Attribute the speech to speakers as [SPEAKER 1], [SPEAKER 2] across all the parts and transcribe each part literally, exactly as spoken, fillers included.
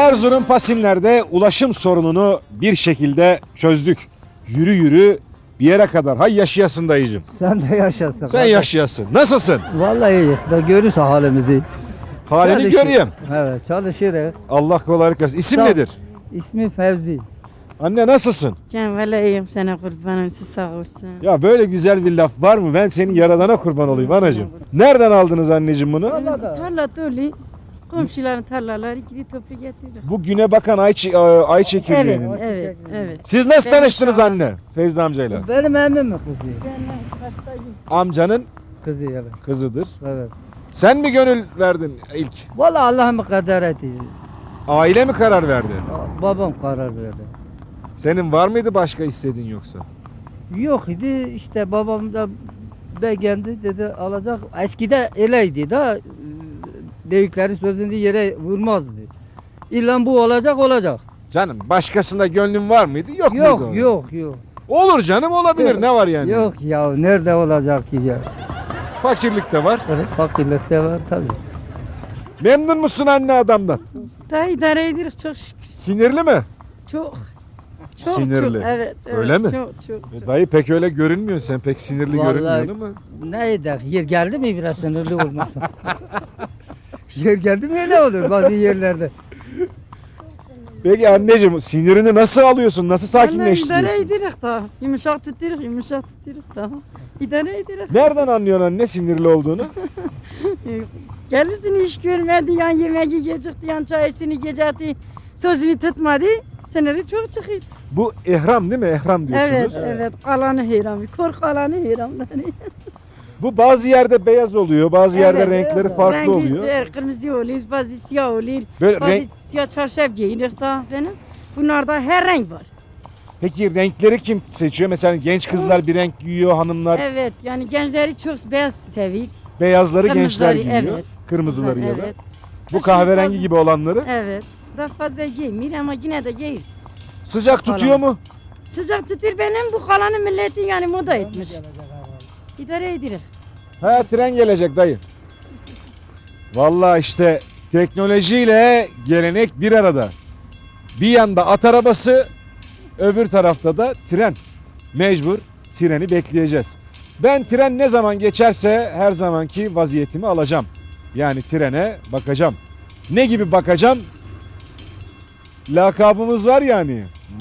[SPEAKER 1] Erzurum Pasinler'de ulaşım sorununu bir şekilde çözdük. Yürü yürü bir yere kadar. Hay yaşayasın dayıcım.
[SPEAKER 2] Sen de yaşasın.
[SPEAKER 1] Sen
[SPEAKER 2] kardeş.
[SPEAKER 1] yaşayasın. Nasılsın?
[SPEAKER 2] Vallahi iyiyiz. Da görürse halimizi.
[SPEAKER 1] Halini
[SPEAKER 2] Çalışır-
[SPEAKER 1] göreyim.
[SPEAKER 2] Evet, çalışırız.
[SPEAKER 1] Allah kolaylık versin. İsim
[SPEAKER 2] Sağ ol.
[SPEAKER 1] nedir?
[SPEAKER 2] İsmi Fevzi.
[SPEAKER 1] Anne nasılsın?
[SPEAKER 3] Can valla iyiyim sana kurbanım siz sağ olsun.
[SPEAKER 1] Ya böyle güzel bir laf var mı? Ben senin yaradana kurban olayım anacığım. Nereden aldınız anneciğim bunu?
[SPEAKER 3] Tarla dolu. Komşuların tarlaları gidip toplu getirir.
[SPEAKER 1] Bu güne bakan ay, çi- e, ay
[SPEAKER 3] Evet,
[SPEAKER 1] çekirdeğinin.
[SPEAKER 3] evet, evet.
[SPEAKER 1] Siz nasıl
[SPEAKER 3] Benim
[SPEAKER 1] tanıştınız
[SPEAKER 3] şu an-
[SPEAKER 1] anne? Fevzi amcayla.
[SPEAKER 2] Benim emmim mi kızı?
[SPEAKER 1] Amcanın
[SPEAKER 2] Kızı evet.
[SPEAKER 1] kızıdır.
[SPEAKER 2] Evet.
[SPEAKER 1] Sen mi gönül verdin ilk?
[SPEAKER 2] Vallahi Allah'ım kader etti.
[SPEAKER 1] Aile mi karar verdi?
[SPEAKER 2] Babam karar verdi.
[SPEAKER 1] Senin var mıydı başka istediğin yoksa?
[SPEAKER 2] Yok idi işte babam da beğendi dedi alacak. Eskide öyleydi da büyüklerin sözünü yere vurmazdı. İlla bu olacak olacak.
[SPEAKER 1] Canım başkasında gönlün var mıydı? Yok, muydu?
[SPEAKER 2] Yok
[SPEAKER 1] onun?
[SPEAKER 2] yok yok.
[SPEAKER 1] Olur canım olabilir.
[SPEAKER 2] Yok.
[SPEAKER 1] Ne var yani?
[SPEAKER 2] Yok ya nerede olacak ki ya?
[SPEAKER 1] Fakirlik de var.
[SPEAKER 2] Fakirlikte var tabii.
[SPEAKER 1] Memnun musun anne adamdan?
[SPEAKER 3] Daha idare ediyoruz çok şükür.
[SPEAKER 1] Sinirli mi?
[SPEAKER 3] Çok. Çok
[SPEAKER 1] Sinirli.
[SPEAKER 3] çok evet, evet.
[SPEAKER 1] Öyle mi?
[SPEAKER 3] Çok çok.
[SPEAKER 1] E, dayı pek öyle görünmüyorsun. Sen pek sinirli
[SPEAKER 2] Vallahi-
[SPEAKER 1] görünmüyorsun ama.
[SPEAKER 2] Neydi? Yer geldi mi biraz sınırlı olmaz. Yer geldi mi öyle olur bazı yerlerde.
[SPEAKER 1] Peki anneciğim sinirini nasıl alıyorsun? Nasıl
[SPEAKER 3] Vallahi idare
[SPEAKER 1] sakinleştiriyorsun?
[SPEAKER 3] ediyoruz da. Yumuşak tutuyoruz, yumuşak tutuyoruz da. İdare ediyoruz.
[SPEAKER 1] Nereden anlıyorsun anne sinirli olduğunu?
[SPEAKER 3] Gelirsin iş görmedi, yan yemeği yiyecekti, yan çayısını yiyecekti. Sözünü tutmadı. Seneri çok çıkıyor.
[SPEAKER 1] Bu ehram değil mi? Ehram diyorsunuz.
[SPEAKER 3] Evet, evet. Kalanı heyran. Korku kalanı heyran.
[SPEAKER 1] Bu bazı yerde beyaz oluyor, bazı yerde
[SPEAKER 3] Evet,
[SPEAKER 1] renkleri
[SPEAKER 2] evet.
[SPEAKER 1] farklı
[SPEAKER 3] Rengi
[SPEAKER 1] oluyor.
[SPEAKER 3] siyah, kırmızı oluyor, bazı siyah oluyor.
[SPEAKER 1] Böyle
[SPEAKER 3] Bazı
[SPEAKER 1] renk...
[SPEAKER 3] siyah çarşaf giyinir da benim. Bunlarda her renk var.
[SPEAKER 1] Peki renkleri kim seçiyor? Mesela genç kızlar bir renk giyiyor, hanımlar
[SPEAKER 3] Evet, yani gençleri çok beyaz seviyor.
[SPEAKER 1] beyazları gençler
[SPEAKER 3] Kırmızıları,
[SPEAKER 1] giyiyor.
[SPEAKER 3] evet.
[SPEAKER 1] Kırmızıları ya da.
[SPEAKER 3] Evet,
[SPEAKER 1] Bu kahverengi gibi olanları.
[SPEAKER 3] evet. Daha fazla giymiyor ama yine de giyiyor.
[SPEAKER 1] Sıcak tutuyor mu?
[SPEAKER 3] Sıcak tutur benim, bu kalanı milleti yani moda etmiş. İdare edilir.
[SPEAKER 1] Ha tren gelecek dayı. Vallahi işte teknolojiyle gelenek bir arada. Bir yanda at arabası, öbür tarafta da tren. Mecbur treni bekleyeceğiz. Ben tren ne zaman geçerse her zamanki vaziyetimi alacağım. Yani trene bakacağım. Ne gibi bakacağım? Lakabımız var yani.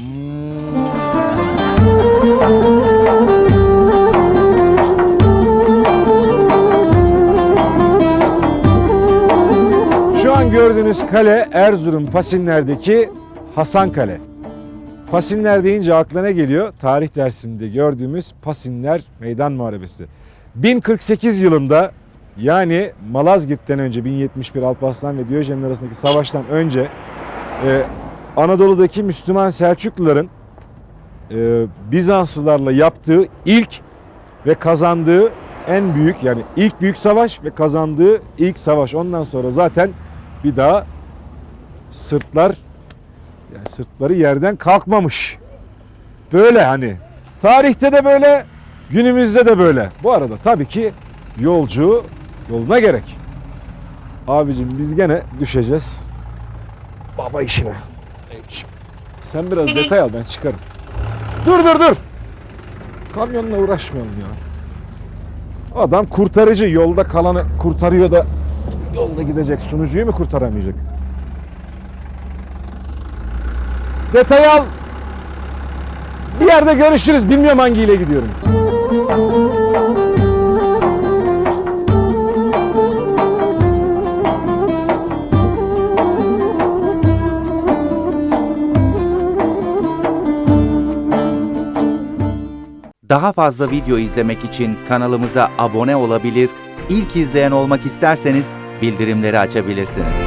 [SPEAKER 1] Şu an gördüğünüz kale Erzurum Pasinler'deki Hasan Kale. Pasinler deyince aklına ne geliyor? Tarih dersinde gördüğümüz Pasinler Meydan Muharebesi. bin kırk sekiz yılında yani Malazgirt'ten önce bin yetmiş bir Alparslan ve Diyojen arasındaki savaştan önce e, Anadolu'daki Müslüman Selçukluların e, Bizanslılarla yaptığı ilk ve kazandığı en büyük yani ilk büyük savaş ve kazandığı ilk savaş. Ondan sonra zaten bir daha sırtlar yani sırtları yerden kalkmamış. Böyle hani tarihte de böyle günümüzde de böyle. Bu arada tabii ki yolcu yoluna gerek. Abicim biz gene düşeceğiz. Baba işine. Sen biraz detay al ben çıkarım. Dur dur dur. Kamyonla uğraşmayalım ya. Adam kurtarıcı yolda kalanı kurtarıyor da yolda gidecek sunucuyu mu kurtaramayacak? Detay al. Bir yerde görüşürüz. Bilmiyorum hangiyle gidiyorum.
[SPEAKER 4] Daha fazla video izlemek için kanalımıza abone olabilir, ilk izleyen olmak isterseniz bildirimleri açabilirsiniz.